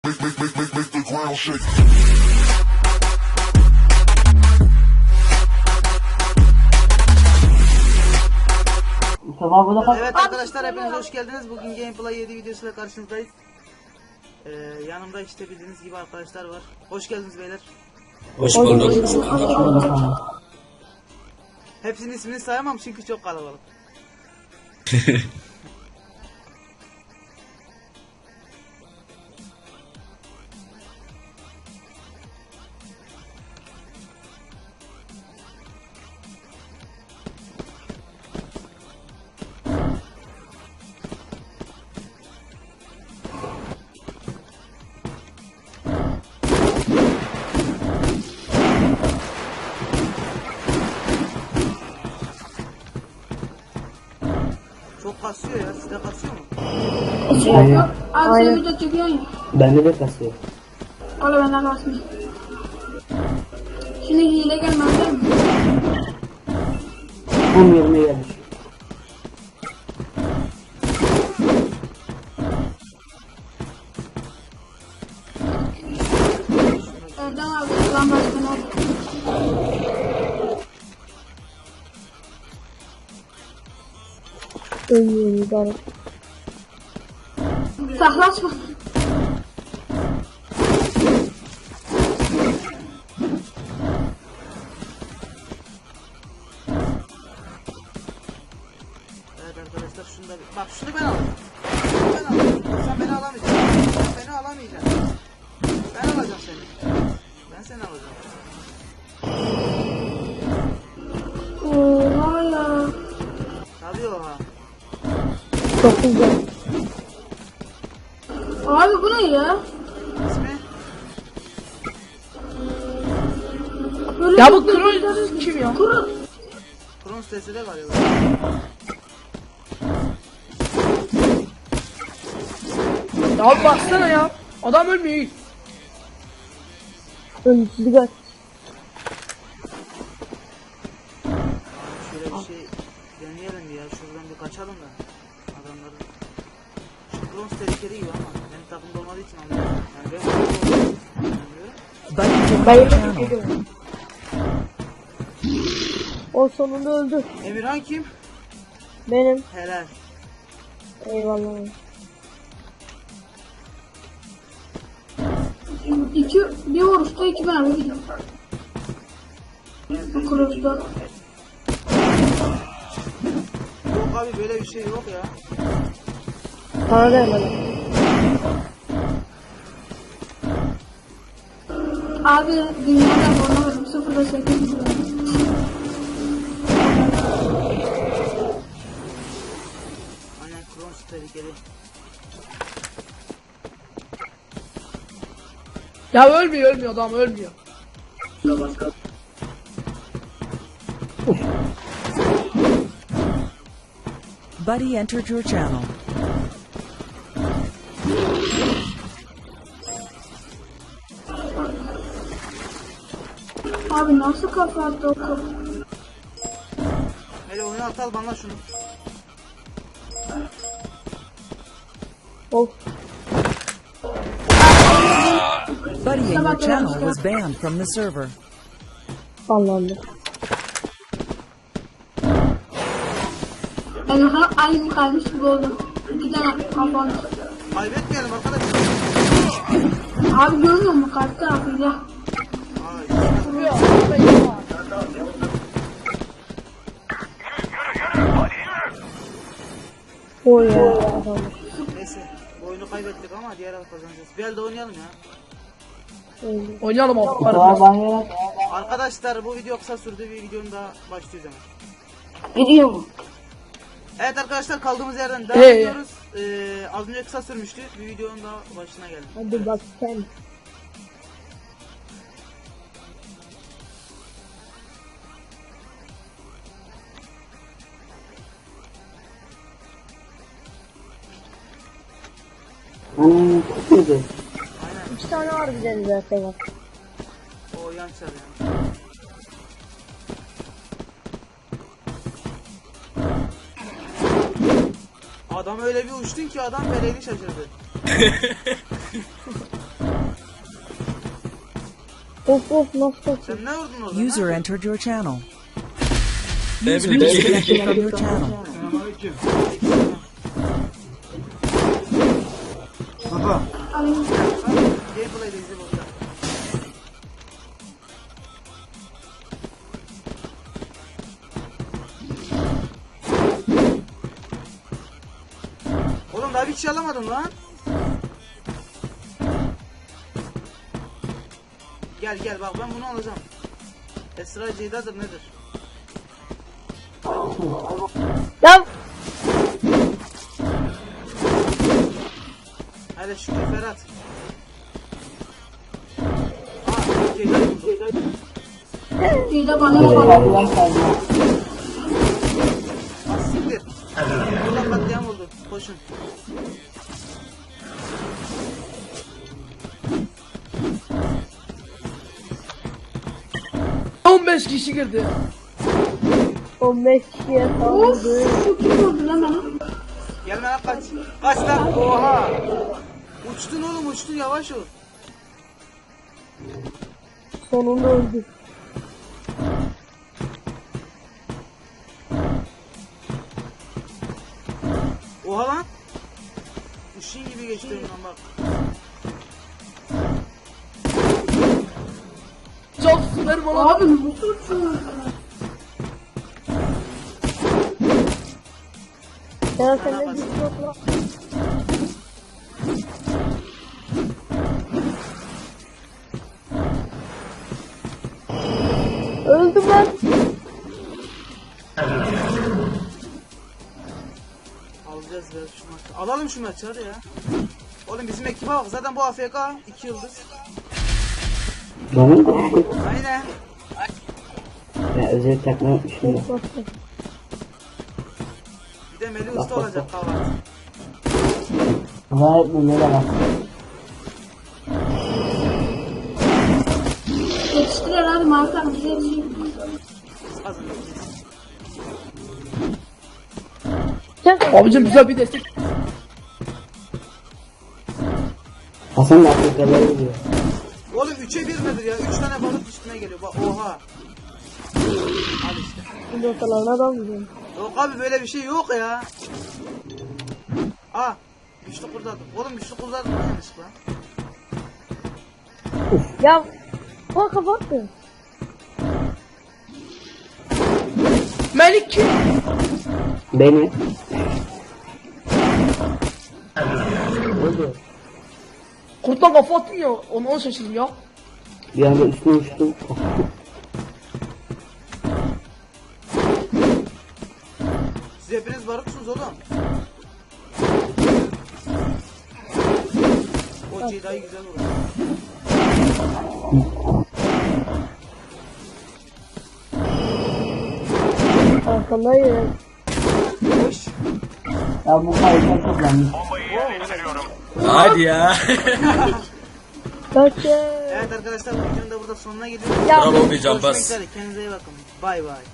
make the ground shake. Evet arkadaşlar, hepiniz hoş geldiniz. Bugün Gameplay 7 videosuyla karşınızdayız. Yanımda işte bildiğiniz gibi arkadaşlar var. Hoş geldiniz beyler. Hoş bulduk. Hepsinin ismini sayamam çünkü çok kalabalık. Çok kasıyor ya, sizde kasıyor mu? Aynen. Abi sen video çekiyorsun ya. Bende de kasıyor. Valla benden kasmıyor. Şimdi hile gelmez değil mi? Tam yerine gelmiş. Erdem abi lan başkanı oldu. Ölmüyorum idare. Saklaşma. Evet arkadaşlar, şunu da bak, şunu ben alacağım. Ben alacağım. Sen beni alamayacaksın. Sen beni alamayacaksın. Ben alacağım seni. Ben seni alacağım. Oha ya. Tabii oha. Çok güzel. Abi bu ne ya? İsmi? Böyle Ya bu Kroos kim ya? Kron sitesi de galiba. Ya bir baksana ya. Adam ölmüyor. Ölümsüzlük var. Şöyle bir şey deneyelim ya. Şuradan bir kaçalım da. Adamların. Şu bronz tehlikeli gibi ama benim takımda olmadığı için anlıyorum. Yani ben anlıyorum. O sonunda öldü. Emirhan kim? Benim. Helal. Eyvallah. Bir vuruşta 2 mermi gidiyor. Bu Kroos'ta. Yok abi, böyle bir şey yok ya. Sana da hemen. Abi dünyada oynamadım. 0.8 gidiyor. Aynen, bronz tehlikeli. Ya ölmüyor adam ölmüyor. Buddy entered your channel. Abi nasıl kafa attı o kapı? Hele oyunu atal bana şunu. Of. Buddy in your channel was banned from the server. Allah'ım. Yani aynı kalmış gibi oldu. 2 tane kafa attı. Kaybetmeyelim arkadaşlar. Abi görmüyor musun karşı tarafıyla? O ya. Adam. Neyse, bu oyunu kaybettik ama diğer hafta kazanacağız. Bir elde oynayalım ya. Öldü. Oynayalım abi. Daha banyoya Arkadaşlar, bu video kısa sürdü, bir videonun daha başlıyoruz hemen. gidiyor mu? Evet arkadaşlar, kaldığımız yerden devam Hey. ediyoruz. Az önce kısa sürmüştü. Bir videonun daha başına geldik. Hadi bak sen. Çok güzel. Aynen, 2 tane var güzel zaten bak. o yan çalıyor. Adam öyle bir uçtun ki adam feleğini şaşırdı. Of of nasıl kaçıyor? Sen ne vurdun orada? User ha? entered your channel. Ne User bileyim. disconnected from your channel. Gameplay'de izle burada. Oğlum daha bir şey alamadım lan. Gel gel bak ben bunu alacağım. Esra Ceyda'dır nedir? Ya Hadi şükür Ferhat. Aa Ceyda. Ceyda bana yapar. Az siktir. Buradan katliam oldu. Koşun. Cık. 15 kişi girdi. 15 kişiye Of saldırdı. çok iyi oldu lan bana. Gelme lan kaç. Kaç lan. Oha. Uçtun oğlum uçtun yavaş ol. Sonunda öldü. Oha lan. Uşin gibi geçti önümden bak. Çok süper bana. Abi nasıl uçuyorsun? Ya sen ne diyorsun lan? Öldüm ben. Alacağız biraz şu maçı. Alalım şu maçı hadi ya. Oğlum bizim ekibe bak zaten bu AFK 2 yıldız. Benim de Aynen. ben özel takma yapmışım da. Bir de Melih Usta olacak kahvaltı. Gayet böyle bak. Yetiştiler abi Markan bize yetişiyor. Biz kazanacağız. Abicim bize bir destek. Hasan da Afrikalıları diyor. Oğlum 3'e 1 nedir ya? 3 tane balık üstüne geliyor. Bak oha. Al işte. Şimdi ortalarına adam gidiyorum. Yok abi böyle bir şey yok ya. Aa. Güçlü kurtardım. Oğlum güçlü kurtardım lan yanlışlıkla. Ya bak kapattı. Melik kim? Beni. Kurttan kafa attın ya. Onu şaşırdım ya. Bir anda üstüne uçtum. Siz hepiniz barıksınız oğlum. O Ceyda'yı güzel vurdu. Arkandayım. Hoş. Ya bu kayıtlar çok yanlış. Hadi ya. Kaçın. Evet arkadaşlar bu videonun da burada sonuna geliyoruz. Ya Bravo diyeceğim Görüşmek bas. üzere. Kendinize iyi bakın. Bay bay.